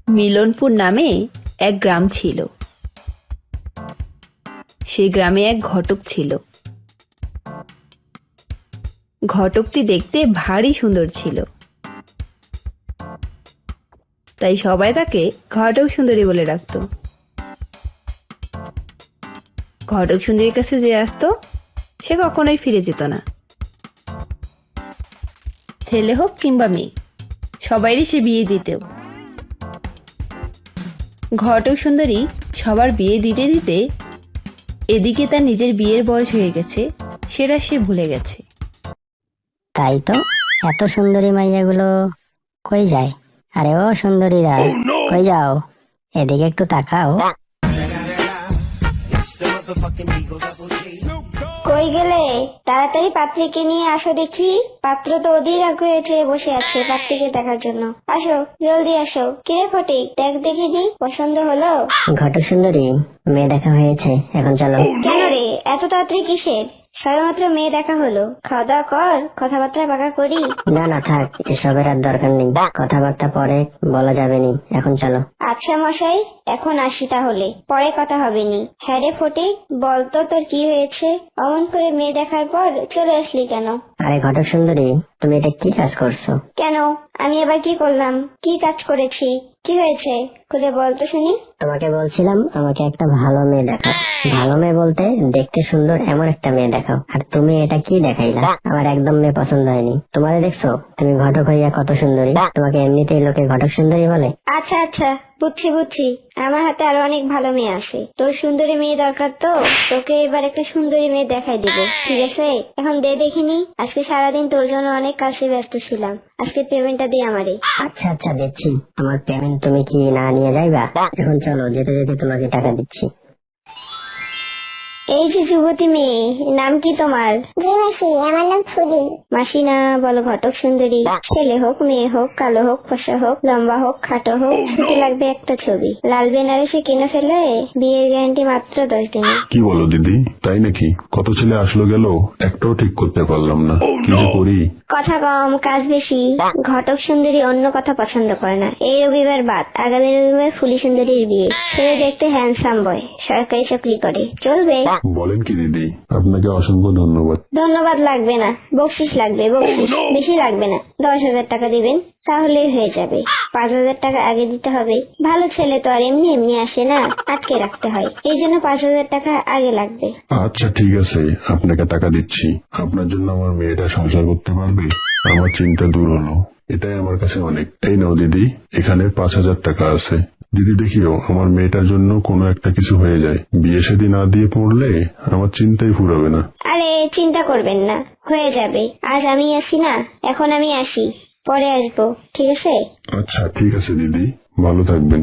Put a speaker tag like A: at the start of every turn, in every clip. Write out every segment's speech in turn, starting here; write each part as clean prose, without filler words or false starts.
A: মিলনপুর নামে এক গ্রাম ছিল। সেই গ্রামে এক ঘটক ছিল। ঘটকটি দেখতে ভারী সুন্দর ছিল, তাই সবাই তাকে ঘটক সুন্দরী বলে ডাকতো। ঘটক সুন্দরীর কাছে যে আসতো সে কখনোই ফিরে যেত না। ছেলে হোক কিংবা মেয়ে, সবারই সে বিয়ে দিত। ঘটক সুন্দরী সবার বিয়ে দিতে দিতে এদিকে তার নিজের বিয়ের বয়স হয়ে গেছে, সেটা সে ভুলে গেছে।
B: তাই তো, এত সুন্দরী মাইয়াগুলো কই যায়? আরে ও সুন্দরীরা, কই যাও? এদিকে একটু তাকাও।
C: কই গেলে? তাড়াতাড়ি পাত্রীকে নিয়ে আসো দেখি। পাত্র তো অধীর আগ্রহে চেয়ে বসে আছে পাত্রীকে দেখার জন্য। আসো, জলদি আসো। কিরে ফটিক, দেখ দেখিনি, পছন্দ হলো?
B: ঘটক সুন্দরী, মেয়ে দেখা হয়েছে, এখন চলো।
C: কেন রে, এত তাড়াতাড়ি কিসের? সবেমাত্র মেয়ে দেখা হলো, খাওয়া দাওয়া কর, কথাবার্তা পাকা করি।
B: না না থাক, এসবের আর দরকার নেই, কথাবার্তা পরে বলা যাবে নি, এখন চলো।
C: আচ্ছা মশাই, এখন আসি তাহলে, পরে কথা হবে নি। হ্যাঁ রে ফটিক, বলতো তোর কি হয়েছে? অমন করে মেয়ে দেখার পর চলে আসলি কেন?
B: আরে ঘটক সুন্দরী, তুমি এটা কি কাজ করছো?
C: কেন, আমি এবার কি করলাম? কি কাজ করেছি? কি হয়েছে খুলে বলতো শুনি।
B: তোমাকে বলছিলাম আমাকে একটা ভালো মেয়ে দেখাও। ভালো মেয়ে বলতে দেখতে সুন্দর এমন একটা মেয়ে দেখাও। আর তুমি এটা কি দেখাইলা? আমার একদম মেয়ে পছন্দ হয়নি। তোমারে দেখছো, তুমি ঘটক হইয়া কত সুন্দরী, তোমাকে এমনিতেই লোকে ঘটক সুন্দরী বলে।
C: আচ্ছা আচ্ছা, বুঝছি বুঝছি, আমার হাতে আরো অনেক ভালো মেয়ে আছে। তোর সুন্দরী মেয়ে দরকার তো, তোকে এবার একটা সুন্দরী মেয়ে দেখাই দিব, ঠিক আছে? এখন দে দেখিনি, আজকে সারাদিন তোর জন্য অনেক কাজে ব্যস্ত ছিলাম, আজকে পেমেন্টটা দে আমারে।
B: আচ্ছা আচ্ছা দিচ্ছি, তোমার পেমেন্ট তুমি কি না নিয়ে যাইবা? এখন চলো, যেতে যেতে তোমাকে টাকা দিচ্ছি।
C: এই যে যুবতী মেয়ে, নাম কি তোমার? মাসি, আমার নাম ফুলি। মাসি না, বলো ঘটক সুন্দরী। ছেলে হোক, মেয়ে হোক, কালো হোক, ফসা হোক, লম্বা হোক, খাটো হোক, ছুটি লাগবে একটা ছবি। লাল বেনারসি কিনে ফেলে বিয়ের গ্যারান্টি মাত্র 10 দিনে।
D: কি বলো দিদি, তাই নাকি? কত ছেলে আসলো গেল, একটাও ঠিক করতে পারলাম না, কি যে করি।
C: কথা কম কাজ বেশি। ঘটক সুন্দরী অন্য কথা পছন্দ করে না। এই রবিবার বাদ, আগামী রবিবার ফুলি সুন্দরীর বিয়ে। ছেলে দেখতে হ্যান্ডসাম বয়, সরকারি চাকরি করে, চলবে?
D: বলেন কি দিদি, আপনাকে অসংখ্য ধন্যবাদ।
C: ধন্যবাদ লাগবে না, বকশিস লাগবে, বকশিস। বেশি লাগবে না, 10,000 টাকা দিবেন, তাহলেই হয়ে যাবে। 5,000 টাকা আগে দিতে হবে। ভালো ছেলে তো আর এমনি এমনি আসে না, আটকে রাখতে হয়, এই জন্য 5,000 টাকা আগে লাগবে।
D: আচ্ছা ঠিক আছে, আপনাকে টাকা দিচ্ছি। আপনার জন্য আমার মেয়েটা সংসার করতে পারবে, আমার চিন্তা দূর হলো, এটাই আমার কাছে অনেক। এই নাও দিদি, এখানে 5,000 টাকা আছে। দিদি দেখিও আমার মেয়েটার জন্য কোনো একটা কিছু হয়ে যায়, বিয়ে শাদী না দিয়ে পড়লে আমার চিন্তাই ফুরাবে না।
C: আরে চিন্তা করবেন না, হয়ে যাবে। আজ আমি আসি না, এখন আমি আসি, পরে আসবো, ঠিক আছে?
D: আচ্ছা ঠিক আছে দিদি, ভালো থাকবেন।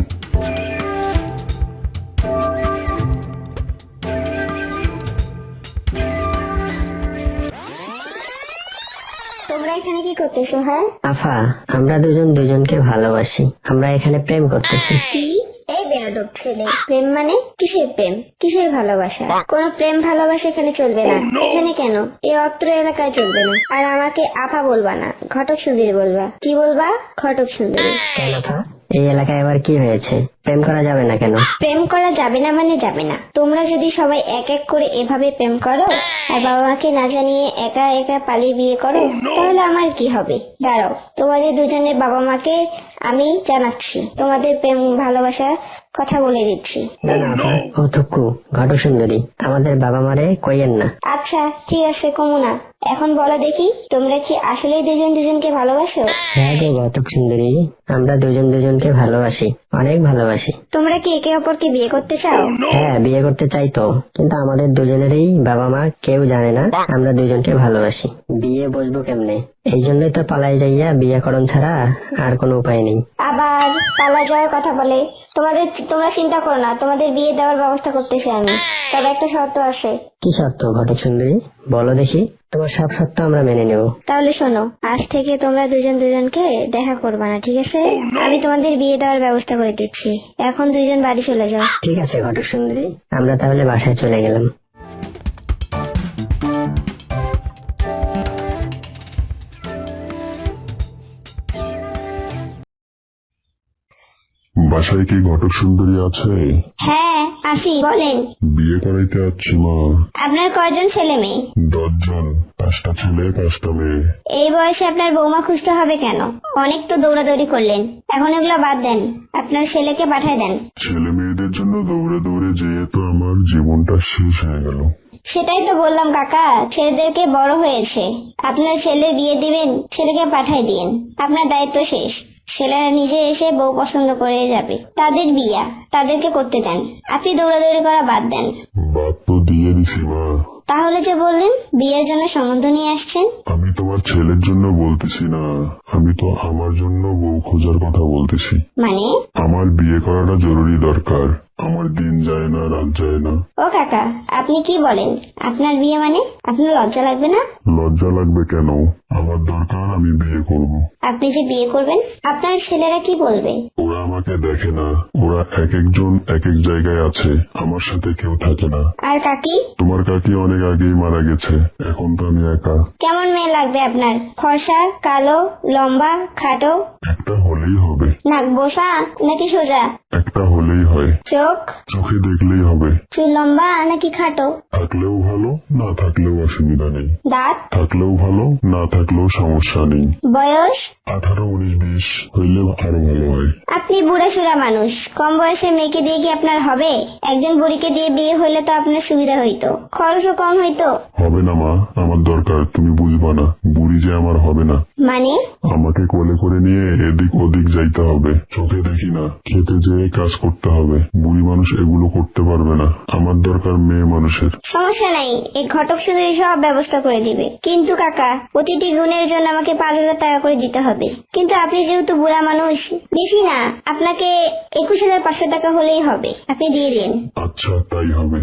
C: তোমরা এখানে কি করতেছো? হ্যাঁ
B: আফা, আমরা দুজন দুজনকে ভালোবাসি, আমরা এখানে প্রেম করতেছি।
C: কি? এই বেয়াদব ছেলে, প্রেম মানে? কিসের প্রেম, কিসের ভালোবাসা? কোনো প্রেম ভালোবাসা এখানে চলবে না। এখানে কেন, এই অত্র এলাকায় চলবে না। আর আমাকে আফা বলবা না, ঘটক সুন্দরী বলবা। কি বলবা? ঘটক সুন্দরী।
B: কেন আফা, এই এলাকায় আবার কি হয়েছে? প্রেম করা যাবে না কেন?
C: প্রেম করা যাবে না মানে যাবে না। তোমরা যদি সবাই এক এক করে এভাবে প্রেম করো আর বাবা মাকে না জানিয়ে একা একা পালিয়ে বিয়ে করো, তাহলে আমার কি হবে? দাঁড়াও, তোমাদের দুজনের বাবা মাকে আমি জানাচ্ছি, তোমাদের প্রেম ভালোবাসা কথা বলে দিচ্ছি।
B: না না আফা, ও থুকু, ঘটক সুন্দরী, আমাদের বাবা মারে কইয়েন না।
C: আচ্ছা ঠিক আছে, কমু না। এখন বলো দেখি, তোমরা কি আসলে দুজন দুজনকে ভালোবাসো?
B: হ্যাঁ গো ঘটক সুন্দরী, আমরা দুজন দুজনকে ভালোবাসি, অনেক ভালোবাসি।
C: তোমরা কি একে অপরকে বিয়ে করতে চাও?
B: হ্যাঁ বিয়ে করতে চাই তো, কিন্তু আমাদের দুজনেরই বাবা মা কেউ জানে না আমরা দুজনকে ভালোবাসি। বিয়ে বসবো কেমনে, এই জন্যই তো পালাই যাইয়া বিয়ে করণ ছাড়া আর কোনো উপায় নেই।
C: আবার পালা যাওয়ার কথা বলে? তোমরা চিন্তা করো না, তোমাদের বিয়ে দেওয়ার ব্যবস্থা করতেছি আমি, তবে একটা শর্ত আছে।
B: কি শর্ত ঘটক সুন্দরী, বলো দেখি। তোমার সব শর্ত আমরা মেনে নেব।
C: তাহলে শোনো, আজ থেকে তোমরা দুজন দুজনকে দেখা করবা না, ঠিক আছে? আমি তোমাদের বিয়ে দেওয়ার ব্যবস্থা করে দিচ্ছি। এখন দুজন বাড়ি চলে যাও।
B: ঠিক আছে ঘটক সুন্দরী, আমরা তাহলে বাসায় চলে গেলাম।
D: বাসায় কি ঘটক সুন্দরী আছে?
C: হ্যাঁ আসি, বলেন।
D: বিয়ে করাইতে আসছি মা।
C: আপনার কয়জন ছেলে মেয়ে?
D: 10 জন, 5টা ছেলে 5টা মেয়ে।
C: এই বয়সে আপনার বৌমা খুঁজতে হবে কেন? অনেক তো দৌড়াদৌড়ি করলেন, এখন এগুলো বাদ দেন, আপনার ছেলেকে পাঠায় দেন।
D: ছেলে মেয়েদের জন্য দৌড়ে দৌড়ে যেয়ে তো আমার জীবনটা শেষ হয়ে গেল।
C: সেটাই তো বললাম কাকা, ছেলেদেরকে বড় হয়েছে, আপনার ছেলে বিয়ে দিবেন, ছেলেকে পাঠায় দিন, আপনার দায়িত্ব শেষ। ছেলেরা নিজে এসে বউ পছন্দ করে যাবে, তাদের বিয়া তাদেরকে করতে দেন, আপনি দৌড়াদৌড়ি করা বাদ দেন।
D: বাদ তো দিয়ে দিছি মা।
C: তাহলে যে বললেন বিয়ের জন্য সম্বন্ধ নিয়ে আসছেন?
D: আমি তোমার ছেলের জন্য বলতেছি না, আমি তো আমার জন্য বউ খোঁজার কথা বলতেছি।
C: মানে?
D: আমার বিয়ে করাটা জরুরি দরকার, আমার দিন যায় না রাত যায় না।
C: ও কাকা, আপনি কি বলেন? আপনার বিয়ে মানে? আপনার লজ্জা লাগবে না?
D: লজ্জা লাগবে কেন? আমার দরকার, আমি বিয়ে করব।
C: আপনি যে বিয়ে করবেন, আপনার ছেলেরা কি বলবে?
D: ওরা আমাকে দেখে না, ওরা এক একজন এক এক জায়গায় আছে, আমার সাথে কেউ থাকে না।
C: আর কাকি?
D: তোমার কাকি অনেক আগেই মারা গেছে, এখন তো আমি একা।
C: কেমন মেয়ে লাগবে আপনার? ফর্সা, কালো, লম্বা, খাটো?
D: একটা হলেই হবে।
C: নাক বোসা নাকি সোজা?
D: একটা হলেই হয়।
C: চোখ?
D: চোখে দেখলেই হবে।
C: চুল লম্বা নাকি খাটো?
D: থাকলেও ভালো, না থাকলেও অসুবিধা নেই।
C: দাঁত?
D: থাকলেও ভালো, না থাকলেও সমস্যা নেই।
C: বয়স?
D: 18, 19, 20 হইলে আরো ভালো হয়।
C: আপনি বুড়া সুড়া মানুষ, কম বয়সে মেয়েকে দিয়ে কি আপনার হবে? একজন বুড়িকে দিয়ে বিয়ে হইলে তো আপনার সুবিধা হইতো, খরচও কম হইতো।
D: হবে না মা, আমার দরকার, তুমি বুঝবা না। বুড়ি যে আমার হবে না।
C: মানে?
D: আমাকে কোলে করে নিয়ে এদিক ওদিক যাইতে হবে, চোখে দেখি না, খেতে যেয়ে কাজ করতে হবে। বুড়ি মানুষ এগুলো করতে পারবে না, আমার দরকার মেয়ে মানুষের।
C: সমস্যা নাই, এই ঘটক শুধু সব ব্যবস্থা করে দিবে। কিন্তু কাকা, প্রতিটি গুণের জন্য আমাকে 5,000 টাকা করে দিতে হবে। কিন্তু আপনি যেহেতু বুড়া মানুষ, বেশি না, আপনাকে 21,500 টাকা হলেই হবে, আপনি দিয়ে দিন।
D: আচ্ছা, তাই হবে।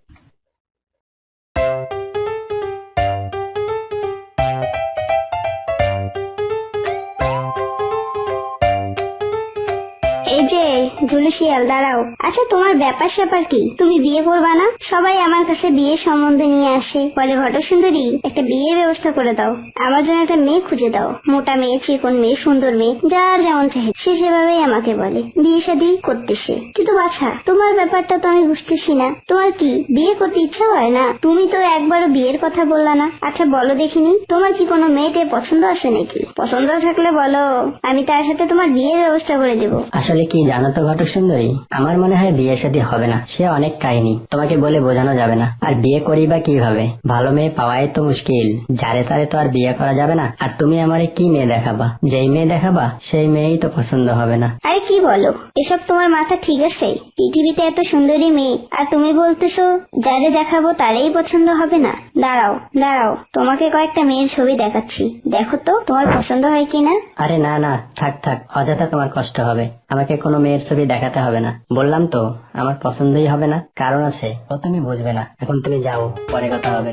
C: এই যে ঝুলু শিয়াল, দাঁড়াও। আচ্ছা, তোমার ব্যাপার স্যাপার কি? তুমি বিয়ে করবা না? সবাই আমার কাছে বিয়ের সম্বন্ধে নিয়ে আসে, বলে ঘটক সুন্দরী একটা বিয়ের ব্যবস্থা করে দাও, আমার জন্য একটা মেয়ে খুঁজে দাও। মোটা মেয়ে, চিকন মেয়ে, সুন্দর মেয়ে, যার যেমন চাহে সে সেভাবেই আমাকে বলে, বিয়ে শাদী করতেছে। কিন্তু বাছা, তোমার ব্যাপারটা তো আমি বুঝতেছি না। তোমার কি বিয়ে করতে ইচ্ছা হয় না? তুমি তো একবারও বিয়ের কথা বললা না। আচ্ছা বলো দেখিনি, তোমার কি কোনো মেয়েতে পছন্দ আছে নাকি? পছন্দ থাকলে বলো, আমি তার সাথে তোমার বিয়ের ব্যবস্থা করে দেবো।
B: আসলে কি জানো তো ঘটক সুন্দরী, আমার মনে হয় বিয়ে শাদী হবে না। সে অনেক কাহিনী, তোমাকে বলে বোঝানো যাবে না। আর বিয়ে করি বা কিভাবে? ভালো মেয়ে পাওয়াই তো মুশকিল, যারে তারে তো আর বিয়ে করা যাবে না। আর তুমি আমারে কি মেয়ে দেখাবা? যেই মেয়ে দেখাবা সেই মেয়েই তো পছন্দ হবে না।
C: আরে কি বলো এসব? তোমার মাথা ঠিক আছে? পৃথিবীতে এত সুন্দরী মেয়ে, আর তুমি বলতেছো যারে দেখাবো তারেই পছন্দ হবে না? দাঁড়াও দাঁড়াও, তোমাকে কয়েকটা মেয়ের ছবি দেখাচ্ছি, দেখো তো তোমার পছন্দ হয় কিনা।
B: আরে না না, থাক থাক, অযথা তোমার কষ্ট হবে। আমাকে কোনো মেয়ের ছবি দেখাতে হবে না, বললাম তো আমার পছন্দই হবে না। কারণ আছে, ও তুমি বুঝবে না। এখন তুমি যাও, পরে কথা হবে।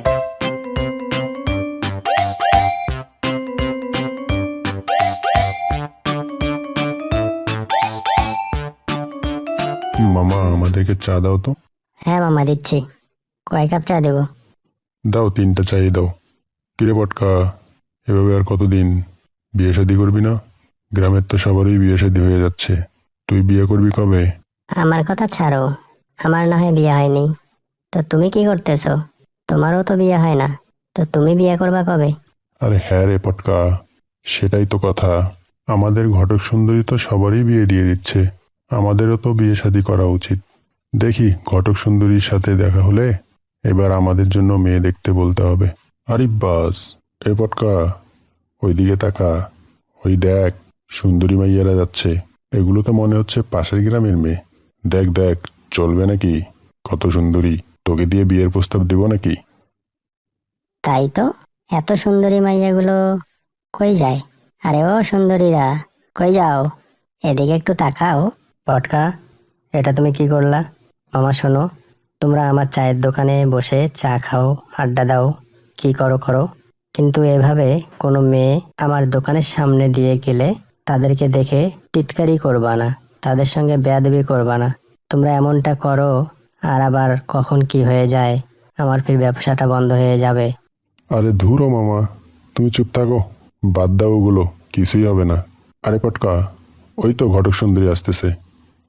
D: মামা, আমাদেরকে চা দাও তো।
B: হ্যাঁ মামা, দিচ্ছি। কয় কাপ চা দেবো?
D: দাও, 3টা চাই দাও। কিরে পটকা, এভাবে আর কতদিন? বিয়ে শাদী করবি না? গ্রামের তো সবারই বিয়ে শাদী হয়ে যাচ্ছে, তুই বিয়ে করবি কবে?
B: আমার কথা ছাড়ো, আমার না হয় বিয়ে হয়নি, তো তুমি কি করতেছো? তোমারও তো বিয়ে হয় না, তো তুমি বিয়ে করবা কবে?
D: আরে হ্যাঁ রে পটকা, সেটাই তো কথা। আমাদের ঘটক সুন্দরী তো সবারই বিয়ে দিয়ে দিচ্ছে, আমাদেরও তো বিয়ে শাদী করা উচিত। দেখি, ঘটক সুন্দরীর সাথে দেখা হলে এবার আমাদের জন্য মেয়ে দেখতে বলতে হবে। আরে বাস, এ পটকা, ওইদিকে তাকা, ওই দেখ, সুন্দরী মাইয়ারা যাচ্ছে। এগুলো তো মনে হচ্ছে পাশের গ্রামের মেয়ে। দেখ দেখ, চলবে নাকি? কত সুন্দরী, তোকে দিয়ে বিয়ের প্রস্তাব দেব নাকি?
B: তাই তো, এত সুন্দরী মাইয়াগুলো কই যায়? আরে ও সুন্দরীরা, কই যাও? এদিকে একটু তাকাও। পটকা, এটা তুমি কি করলা? মামা শোনো, তোমরা আমার চায়ের দোকানে বসে চা খাও, আড্ডা দাও, কি করো করো, কিন্তু এভাবে কোনো মেয়ে আমার দোকানের সামনে দিয়ে গেলে তাদেরকে দেখে টিটকারি করবা না, তাদের সঙ্গে বেয়াদবি করবা না। তোমরা এমনটা করো, আর আবার কখন কি হয়ে যায়, আমার ফির ব্যবসাটা বন্ধ হয়ে যাবে।
D: আরে ধুরো মামা, তুমি চুপ থাকো, বাদ দাও ওগুলো, কিছুই হবে না। আরে পটকা, ওই তো ঘটক সুন্দরী আসতেছে,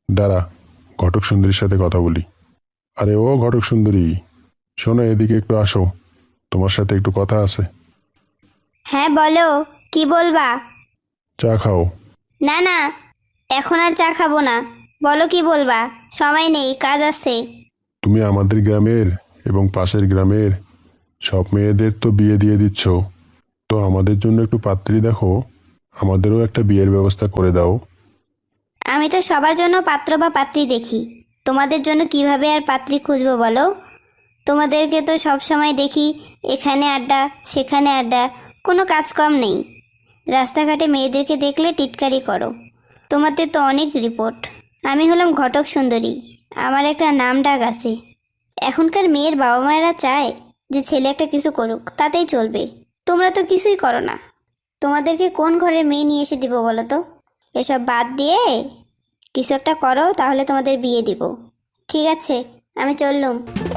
D: দাঁড়া, ঘটক সুন্দরীর সাথে কথা বলি। আরে ও ঘটক সুন্দরী, শোনো, এদিকে একটু আসো, তোমার সাথে একটু কথা আছে।
C: হ্যাঁ বলো, কি বলবা?
D: চা খাও।
C: না না, এখন আর চা খাবো না। বলো কি বলবা, সময় নেই, কাজ আছে।
D: তুমি আমাদের গ্রামের এবং পাশের গ্রামের সব মেয়েদের তো বিয়ে দিয়ে দিচ্ছ, তো আমাদের জন্য একটু পাত্রী দেখো, আমাদেরও একটা বিয়ের ব্যবস্থা করে দাও।
C: আমি তো সবার জন্য পাত্র বা পাত্রী দেখি, তোমাদের জন্য কিভাবে আর পাত্রী খুঁজবো বলো? তোমাদেরকে তো সব সময় দেখি এখানে আড্ডা সেখানে আড্ডা, কোনো কাজ কম নেই। রাস্তাঘাটে মেয়েদেরকে দেখলে টিটকারি করো, তোমাদের তো অনেক রিপোর্ট। আমি হলাম ঘটক সুন্দরী, আমার একটা নাম ডাক আছে। এখনকার মেয়ের বাবা মায়েরা চায় যে ছেলে একটা কিছু করুক, তাতেই চলবে। তোমরা তো কিছুই করো না, তোমাদেরকে কোন ঘরের মেয়ে নিয়ে এসে দিব বলো তো? এসব বাদ দিয়ে কিছু একটা করো, তাহলে তোমাদের বিয়ে দিব। ঠিক আছে, আমি চললুম।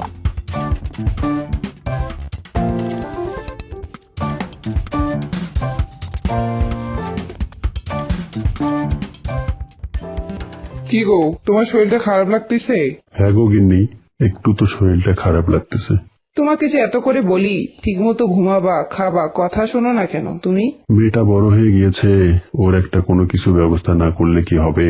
E: কি গো, তোমার শরীরটা খারাপ লাগতেছে?
D: হ্যাঁ গো গিন্নি, একটু তো শরীরটা খারাপ লাগতেছে।
E: তোমাকে যে এত করে বলি ঠিকমতো ঘুমাবা খাবা, কথা শোনো না কেন তুমি?
D: মেয়েটা বড় হয়ে গিয়েছে, ওর একটা কোনো কিছু ব্যবস্থা না করলে কি হবে?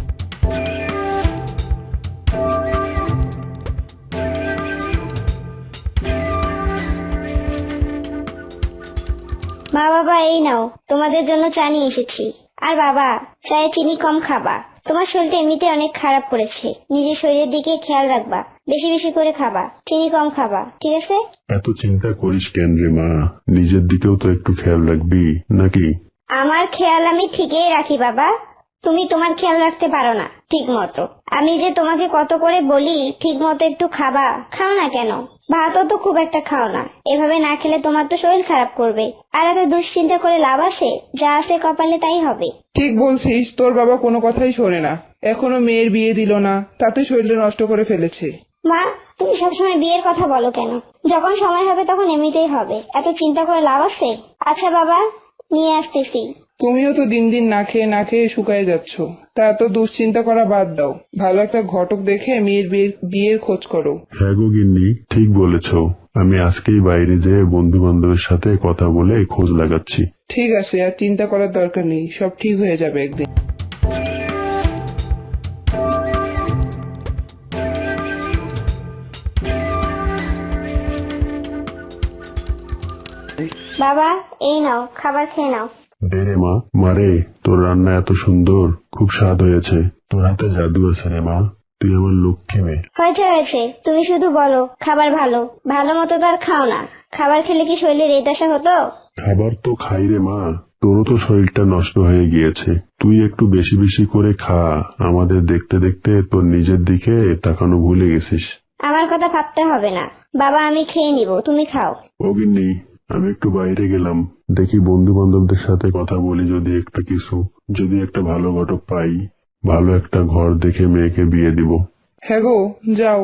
C: মা বাবা, এই নাও, তোমাদের জন্য চা নিয়ে এসেছি। আর বাবা, চায়ে চিনি কম খাবা, তোমার শরীরটা এমনিতে অনেক খারাপ করেছে। নিজের শরীরের দিকে খেয়াল রাখবা, বেশি বেশি করে খাবা, চিনি কম খাবা, ঠিক আছে?
D: এত চিন্তা করিস কেন রে মা, নিজের দিকেও তো একটু খেয়াল রাখবি নাকি?
C: আমার খেয়াল আমি ঠিকই রাখি বাবা, তুমি তোমার খেয়াল রাখতে পারো না ঠিক মতো। আমি যে তোমাকে কত করে বলি ঠিক মতো একটু খাবা, খাও না কেন? ভাতও তো খুব একটা খাও না, এভাবে না খেলে তোমার তো শরীর খারাপ করবে। আর এত দুশ্চিন্তা করে লাভ আছে? যা আছে কপালে তাই হবে।
E: ঠিক বলছিস, তোর বাবা কোনো কথাই শোনে না। এখনো মেয়ের বিয়ে দিল না, তাতে শরীরটা নষ্ট করে ফেলেছে।
C: মা, তুমি সবসময় বিয়ের কথা বলো কেন? যখন সময় হবে তখন এমনিতেই হবে, এত চিন্তা করে লাভ আছে? আচ্ছা বাবা, নিয়ে আসতেছি।
E: তুমিও তো দিন দিন না খেয়ে শুকায় যাচ্ছ, তা এত দুশ্চিন্তা করা বাদ দাও। ভালো একটা ঘটক দেখে মেয়ের বিয়ের খোঁজ করো।
D: হ্যাঁ গো গিন্নি, ঠিক বলেছ, আমি আজকেই বাইরে যেয়ে বন্ধু বান্ধবের সাথে কথা বলে খোঁজ লাগাচ্ছি।
E: ঠিক আছে, আর চিন্তা করার দরকার নেই, সব ঠিক হয়ে যাবে একদিন।
C: বাবা, এই নাও, খাবার খেয়ে নাও।
D: দে রে মা, মারে, তোর রান্না এত সুন্দর, খুব স্বাদ হয়েছে। তোর হাতে জাদু আছে রে মা, তুই আমার লক্ষ্মী মেয়ে।
C: হয়েছে হয়েছে, তুমি শুধু বলো খাবার ভালো, ভালো মতো তো আর খাও না। খাবার খেলে কি শরীরের এই দশা হতো?
D: খাবার তো খাই রে মা, তোরও তো শরীরটা নষ্ট হয়ে গিয়েছে, তুই একটু বেশি বেশি করে খা। আমাদের দেখতে দেখতে তোর নিজের দিকে তাকানো ভুলে গেছিস।
C: আমার কথা ভাবতে হবে না বাবা, আমি খেয়ে নিব, তুমি খাও।
D: ও গিন্নি, আমি একটু বাইরে গেলাম, দেখি বন্ধু বান্ধবদের সাথে কথা বলি, যদি একটা ভালো ঘটক পাই, ভালো একটা ঘর দেখে মেয়েকে বিয়ে দিব।
E: হ্যাঁ গো, যাও।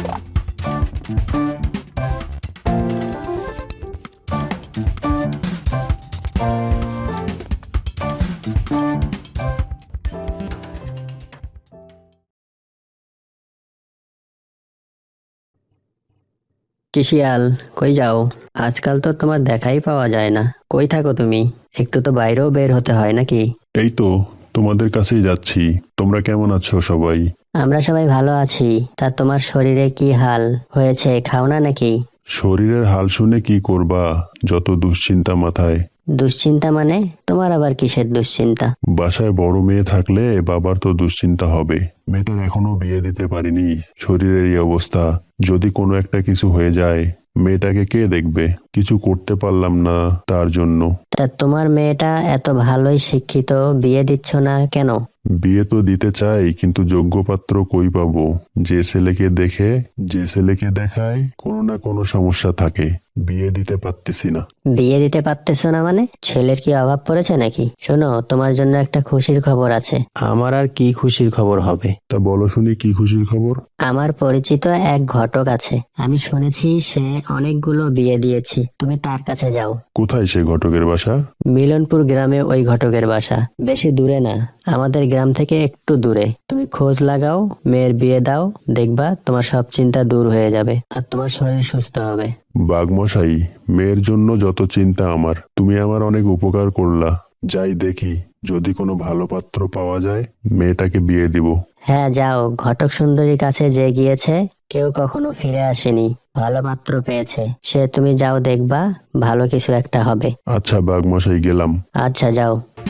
F: কি শিয়াল, কই যাও? আজকাল তো তোমার দেখাই পাওয়া যায় না, কই থাকো তুমি? একটু তো বাইরেও বের হতে হয় নাকি?
D: এই তো তোমাদের কাছেই যাচ্ছি। তোমরা কেমন আছো সবাই?
F: আমরা সবাই ভালো আছি। তা তোমার শরীরে কি হাল হয়েছে, খাও না নাকি?
D: শরীরের হাল শুনে কি করবা, যত দুশ্চিন্তা মাথায়।
F: দুশ্চিন্তা মানে? তোমার আবার কিসের দুশ্চিন্তা?
D: বাসায় বড় মেয়ে থাকলে বাবার তো দুশ্চিন্তা হবে। মেয়েটার এখনো বিয়ে দিতে পারিনি, শরীরের এই অবস্থা, যদি কোনো একটা কিছু হয়ে যায় মেয়েটাকে কে দেখবে? কিছু করতে পারলাম না তার জন্য।
F: তা তোমার মেয়েটা এত ভালোই শিক্ষিত, বিয়ে দিচ্ছ না কেন?
D: বিয়ে তো দিতে চাই, কিন্তু যোগ্য পাত্র কই পাবো? যে ছেলেকে দেখায় কোনো না কোনো সমস্যা থাকে, বিয়ে দিতে পারতেছি না।
F: বিয়ে দিতে পারতেছো না মানে? ছেলের কি অভাব পড়েছে নাকি? শোনো, তোমার জন্য একটা খুশির খবর আছে। আমার আর কি খুশির খবর হবে?
D: তা বলো শুনি, কি খুশির খবর?
F: আমার পরিচিত এক ঘটক আছে, আমি শুনেছি সে অনেকগুলো বিয়ে দিয়েছে। তুমি তার কাছে যাও।
D: কোথায় সেই ঘটকের বাসা?
F: মিলনপুর গ্রামে ওই ঘটকের বাসা, বেশি দূরে না, আমাদের গ্রাম থেকে একটু দূরে। তুমি খোঁজ লাগাও, মেয়ের বিয়ে দাও, দেখবা তোমার সব চিন্তা দূর হয়ে যাবে আর তোমার শরীর সুস্থ হবে।
D: বাঘমশাই, মেয়ের জন্য যত চিন্তা আমার, তুমি আমার অনেক উপকার করলা। যাই দেখি, যদি কোনো ভালো পাত্র পাওয়া যায় মেয়েটাকে বিয়ে দিব।
F: হ্যাঁ যাও, ঘটক সুন্দরীর কাছে যে গিয়েছে কেউ কখনো ফিরে আসেনি, ভালো পাত্র পেয়েছে সে। তুমি যাও, দেখবা ভালো কিছু একটা হবে।
D: আচ্ছা বাঘমশাই, গেলাম।
F: আচ্ছা যাও।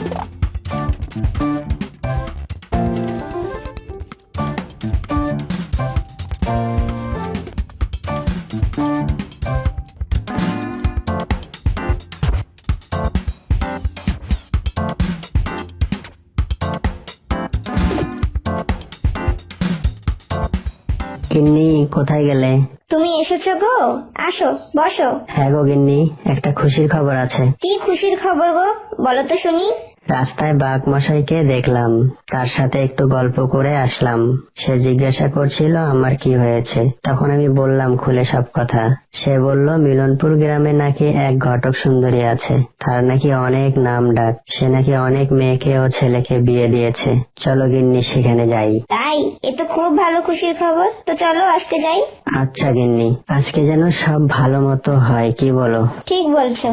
F: গিন্নি, কোথায় গেলে?
C: তুমি এসেছো গো, আসো বসো।
F: হ্যাঁ গো গিন্নি, একটা খুশির খবর আছে।
C: কি খুশির খবর গো, বলো তো শুনি।
F: রাস্তায় বাঘ মশাইকে দেখলাম, তার সাথে একটু গল্প করে আসলাম। সে জিজ্ঞাসা করছিল আমার কি হয়েছে, তখন আমি বললাম খুলে সব কথা। সে বলল মিলনপুর গ্রামে নাকি এক ঘটক সুন্দরী আছে, তার নাকি অনেক নাম ডাক, সে নাকি অনেক মেয়েকে ও ছেলেকে বিয়ে দিয়েছে। চলো গিন্নি, সেখানে যাই।
C: তাই? এ তো খুব ভালো খুশির খবর, তো চলো আজকে যাই।
F: আচ্ছা গিন্নি, আজকে যেন সব ভালো মতো হয়, কি বলো?
C: ঠিক বলছো।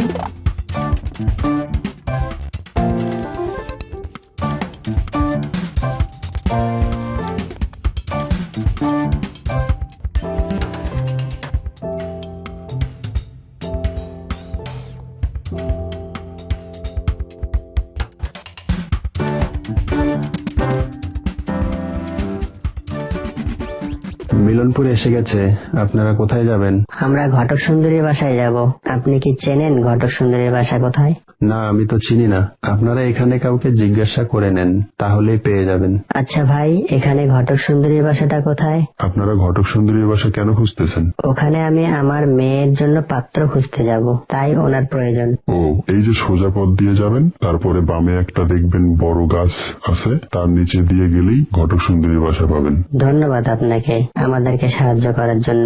G: মিলনপুর এসে গেছে, আপনারা কোথায় যাবেন?
F: আমরা ঘটক সুন্দরীর বাসায় যাব। আপনি কি চেনেন ঘটক সুন্দরীর বাসা কোথায়?
G: না, আমি তো চিনি না। আপনারা এখানে কাউকে জিজ্ঞাসা করে নেন, তাহলেই পেয়ে যাবেন।
F: আচ্ছা ভাই, এখানে ঘটক সুন্দরীর বাসাটা কোথায়?
D: আপনারা ঘটক সুন্দরীর বাসা কেন খুঁজতেছেন?
F: ওখানে আমি আমার মেয়ের জন্য পাত্র খুঁজতে যাব, তাই ওনার প্রয়োজন।
D: ও, এই যে সোজা পথ দিয়ে যাবেন, তারপরে বামে একটা দেখবেন বড় গাছ আছে, তার নিচে দিয়ে গেলেই ঘটক সুন্দরীর বাসা পাবেন।
F: ধন্যবাদ আপনাকে আমাদেরকে সাহায্য করার জন্য।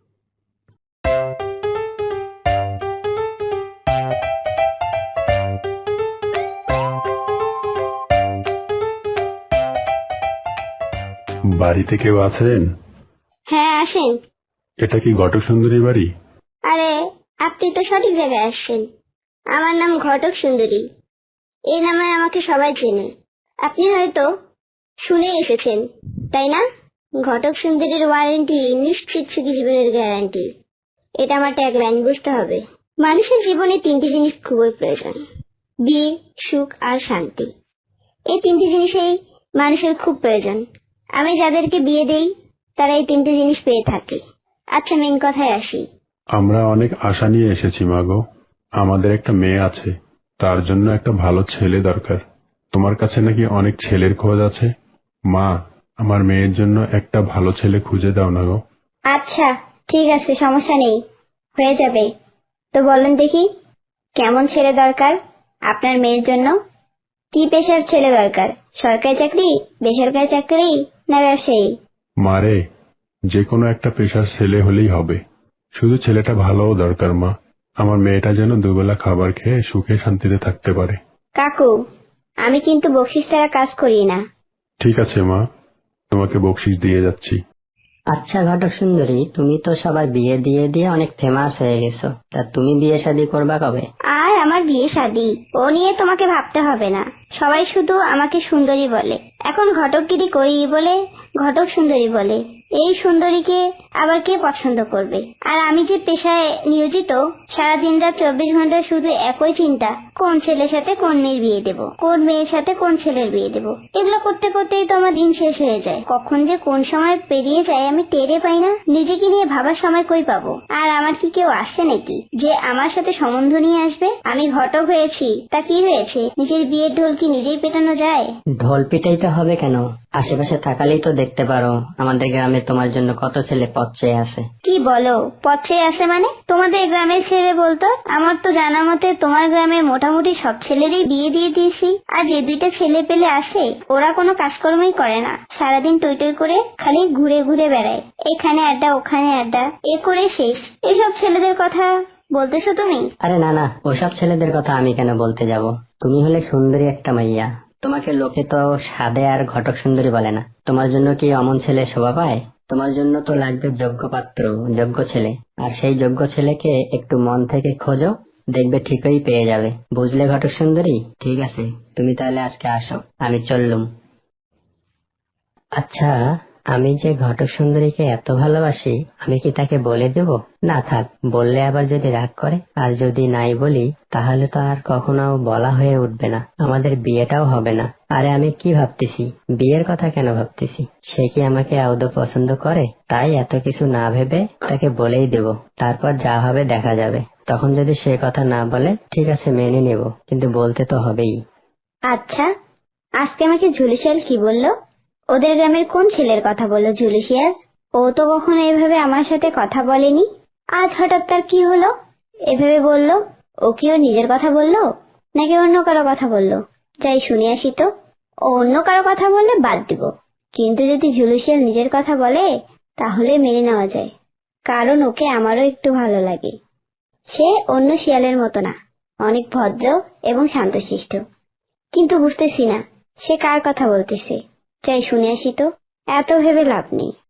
G: বাড়িতে কেউ আছেন?
C: হ্যাঁ আসেন।
G: এটা কি ঘটক সুন্দরীর বাড়ি?
C: আরে আপনি তো সঠিক জায়গায় আসছেন। আমার নাম ঘটক সুন্দরী, এই নামে আমাকে সবাই চেনে। আপনি হয়তো শুনে এসেছেন, তাই না? ঘটক সুন্দরীর ওয়ারেন্টি নিশ্চিত সুখী জীবনের গ্যারান্টি, এটা আমার ট্যাগলাইন, বুঝতে হবে। মানুষের জীবনে তিনটি জিনিস খুবই প্রয়োজন: বিয়ে, সুখ আর শান্তি। এই তিনটি জিনিসই মানুষের খুব প্রয়োজন। আমি যাদেরকে বিয়ে দেই তারা এই তিনটি জিনিস পেয়ে থাকে। আচ্ছা, মেন কথায় আসি।
G: আমরা অনেক আশা নিয়ে এসেছি মাগো। আমাদের একটা মেয়ে আছে, তার জন্য একটা ভালো ছেলে দরকার। তোমার কাছে নাকি অনেক ছেলের খোঁজ আছে। মা, আমার মেয়ের জন্য একটা ভালো ছেলে খুঁজে দাও না গো।
C: আচ্ছা ঠিক আছে, সমস্যা নেই, হয়ে যাবে। তো বলেন দেখি, কেমন ছেলে দরকার আপনার মেয়ের জন্য? কি পেশার ছেলে দরকার? সরকারি চাকরি, বেসরকারি চাকরি, না ব্যবসায়ী?
G: মারে, যে কোনো একটা পেশার ছেলে হলেই হবে, শুধু ছেলেটা ভালোও দরকার মা। আমার মেয়েটা যেন দুবেলা খাবার খেয়ে সুখে শান্তিতে থাকতে পারে।
C: কাকু, আমি কিন্তু বকশিস ছাড়া কাজ করি না।
G: ঠিক আছে মা, তোমাকে বকশিস দিয়ে যাচ্ছি।
F: আচ্ছা ঘটক সুন্দরী, তুমি তো সবার বিয়ে দিয়ে দিয়ে অনেক ফেমাস হয়ে গেছো, তা তুমি বিয়ে শাদী করবা কবে?
C: আর আমার বিয়ে শাদী ও নিয়ে তোমাকে ভাবতে হবে না, সবাই শুধু আমাকে সুন্দরী বলে। এখন ঘটকগিরি করি বলে ঘটক সুন্দরী বলে। এই সুন্দরীকে আবার কে পছন্দ করবে? আর আমি যে পেশায় নিয়োজিত, সারাদিন রাত 24 ঘন্টা শুধু একই চিন্তা, কোন ছেলের সাথে কোন মেয়ের বিয়ে দেব, কোন মেয়ের সাথে কোন ছেলের বিয়ে দেব। এগুলো করতে করতেই তো আমার দিন শেষ হয়ে যায়। কখন যে কোন সময় পেরিয়ে যায় আমি টেরে পাই না। নিজেকে নিয়ে ভাবার সময় কই পাবো? আর আমার কি কেউ আসছে নাকি যে আমার সাথে সম্বন্ধ নিয়ে আসবে? আমি ঘটক হয়েছি, তা কি হয়েছে? নিজের বিয়ের ঢোল কি নিজেই পেটানো যায়?
F: ঢোল পিটাইতে হবে কেন? আশেপাশে থাকালেই তো দেখতে পারো আমাদের গ্রামে তোমার জন্য কত ছেলে পথ চেয়ে আছে।
C: কি বলো, পথে আছে মানে? তোমাদের গ্রামের ছেলে বলতো? আমার তো জানা মতে তোমার গ্রামে মোটামুটি সব ছেলেরই বিয়ে দিয়ে দিয়েছি। আর যে দুইটা ছেলে পেলে আসে, ওরা কোনো কাজকর্মই করে না, সারাদিন টই টই করে খালি ঘুরে ঘুরে বেড়ায়, এখানে আড্ডা ওখানে আড্ডা, এ করে শেষ। এসব ছেলেদের কথা বলতেছো তুমি?
F: আরে না না, ওসব ছেলেদের কথা আমি কেন বলতে যাব? তুমি হলে সুন্দরী একটা মাইয়া, তোমাকে লোকে তো সাদে আর ঘটক সুন্দরী বলে না। তোমার জন্য কি অমন ছেলে শোভা পায়? তোমার জন্য তো লাগবে যোগ্য পাত্র, যোগ্য ছেলে। আর সেই যোগ্য ছেলেকে একটু মন থেকে খোঁজো, দেখবে ঠিকই পেয়ে যাবে। বুঝলে ঘটক সুন্দরী? ঠিক আছে, তুমি তাহলে আজকে আসো, আমি চললুম। আচ্ছা, আমি যে ঘটক সুন্দরীকে এত ভালোবাসি, আমি কি তাকে বলে দেব? না থাক, বললে আবার যদি রাগ করে, আর যদি নাই বলি তাহলে তো আর কখনো বলা হয়ে উঠবে না, আমাদের বিয়েটাও হবে না। আরে আমি কি ভাবতেছি, বিয়ের কথা কেন ভাবতেছি? সে কি আমাকে আদৌ পছন্দ করে? তাই এত কিছু না ভেবে তাকে বলেই দেব, তারপর যা হবে দেখা যাবে। তখন যদি সে কথা না বলে, ঠিক আছে মেনে নেব, কিন্তু বলতে তো হবেই।
C: আচ্ছা, আজকে আমাকে ঝুলিশিয়াল কি বললো? ওদের গ্রামের কোন ছেলের কথা বললো ঝুলিশিয়াল? ও তো কখনো এভাবে আমার সাথে কথা বলেনি, আজ হঠাৎ তার কি হলো এভাবে বললো? ও কি ওর নিজের কথা বললো, নাকি অন্য কারো কথা বললো? যাই শুনে আসি তো। ও অন্য কারো কথা বললে বাদ দিব, কিন্তু যদি ঝুলিশিয়াল নিজের কথা বলে তাহলে মেনে নেওয়া যায়, কারণ ওকে আমারও একটু ভালো লাগে। সে অন্য শিয়ালের মতো না, অনেক ভদ্র এবং শান্তশিষ্ট। কিন্তু বুঝতেছি না সে কার কথা বলতেছে। যাই শুনে আসি তো, এত ভেবে লাভ নেই।